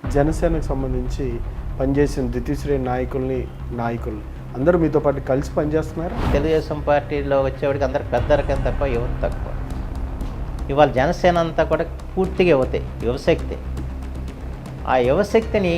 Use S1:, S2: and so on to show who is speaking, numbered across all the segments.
S1: జనసేనకు సంబంధించి పనిచేసిన ద్వితీయ శ్రేణి నాయకుల్ని అందరూ మీతో పాటు కలిసి పనిచేస్తున్నారు.
S2: తెలుగుదేశం పార్టీలో వచ్చేవాడికి అందరు పెద్ద రకం తప్ప యువత తక్కువ. ఇవాళ జనసేన అంతా కూడా పూర్తిగా యువశక్తి. ఆ యువశక్తిని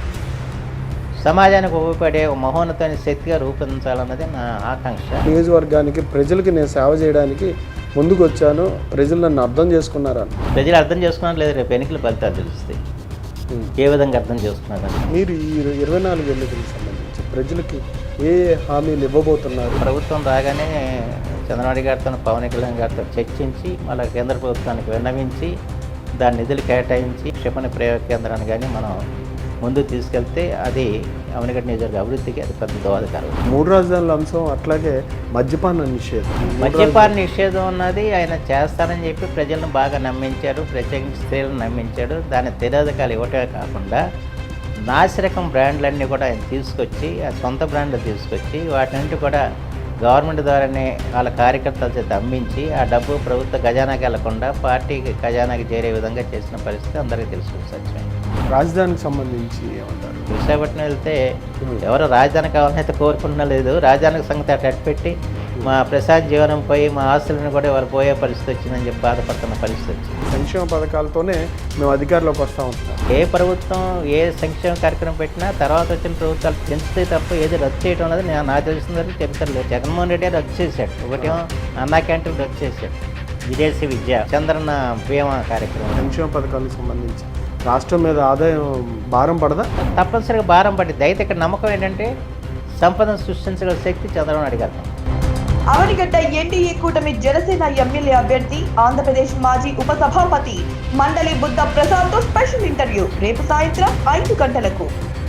S2: సమాజానికి ఉపయోగపడే మహోన్నతమైన శక్తిగా రూపొందించాలన్నది నా ఆకాంక్ష.
S1: నియోజకవర్గానికి ప్రజలకి నేను సేవ చేయడానికి ముందుకు వచ్చాను, ప్రజలు నన్ను అర్థం చేసుకున్నారా?
S2: ప్రజలు అర్థం చేసుకున్నారు లేదు, రేపు ఎన్నికల ఫలితాలు తెలుస్తాయి ఏ విధంగా అర్థం చేసుకున్నారని.
S1: మీరు ఈ 24 ఎన్నికలకు సంబంధించి ప్రజలకి ఏ హామీలు ఇవ్వబోతున్నారు?
S2: ప్రభుత్వం రాగానే చంద్రబాబు గారితో పవన్ కళ్యాణ్ గారితో చర్చించి మళ్ళీ కేంద్ర ప్రభుత్వానికి విన్నవించి దాని నిధులు కేటాయించి క్షిపణి ప్రయోగ కేంద్రాన్ని కానీ మనం ముందుకు తీసుకెళ్తే అది అవనిగడ్డ నియోజకవర్గ అభివృద్ధికి అది పెద్ద దోహదకరం.
S1: 3 రాజధానుల అంశం, అట్లాగే మద్యపాన
S2: నిషేధం అన్నది ఆయన చేస్తానని చెప్పి ప్రజలను బాగా నమ్మించాడు, ప్రత్యేకించి స్త్రీలను నమ్మించాడు. దాని తిరోధకాలు ఇవ్వటమే కాకుండా నాసిరకం బ్రాండ్లన్నీ కూడా ఆయన తీసుకొచ్చి ఆ సొంత బ్రాండ్లు తీసుకొచ్చి వాటిని కూడా గవర్నమెంట్ ద్వారానే వాళ్ళ కార్యకర్తల చేత అమ్మించి ఆ డబ్బు ప్రభుత్వ ఖజానాకి వెళ్లకుండా పార్టీకి ఖజానాకి చేరే విధంగా చేసిన పరిస్థితి అందరికీ తెలుసు. సత్యం.
S1: రాజధానికి సంబంధించి ఏమంటారు?
S2: విశాఖపట్నం వెళ్తే ఎవరు రాజధాని కావాలని కోరుకుంటున్నా లేదు. రాజధానికి సంగతి అటు పెట్టి మా ప్రసాద్ జీవనం పోయి మా ఆస్తులను కూడా వాళ్ళు పోయే పరిస్థితి వచ్చిందని చెప్పి బాధపడుతున్న పరిస్థితి వచ్చింది.
S1: సంక్షేమ పథకాలతోనే మేము అధికారంలోకి వస్తూ ఉంటాం.
S2: ఏ ప్రభుత్వం ఏ సంక్షేమ కార్యక్రమం పెట్టినా తర్వాత వచ్చిన ప్రభుత్వాలు పెంచితే తప్ప ఏది రద్దు చేయడం అనేది నాకు తెలిసిన వరకు చెప్తారు. జగన్మోహన్ రెడ్డి రద్దు చేశాడు. ఒకటేమో అన్నా క్యాంటీన్ రద్దు చేశాడు, విదేశీ విద్య, చంద్రన్న బీమా కార్యక్రమం.
S1: సంక్షేమ పథకాలకు సంబంధించి రాష్ట్రం మీద ఆదాయం భారం పడదా?
S2: తప్పనిసరిగా భారం పడింది. అయితే ఇక్కడ నమ్మకం ఏంటంటే సంపదను సృష్టించగల శక్తి చంద్రబాబు నాయుడు గారు.
S3: అవనిగడ్డ ఎన్డీఏ కూటమి జనసేన ఎమ్మెల్యే అభ్యర్థి ఆంధ్రప్రదేశ్ మాజీ ఉప సభాపతి మండలి బుద్ధ ప్రసాద్ తో స్పెషల్ ఇంటర్వ్యూ రేపు సాయంత్రం 5 గంటలకు.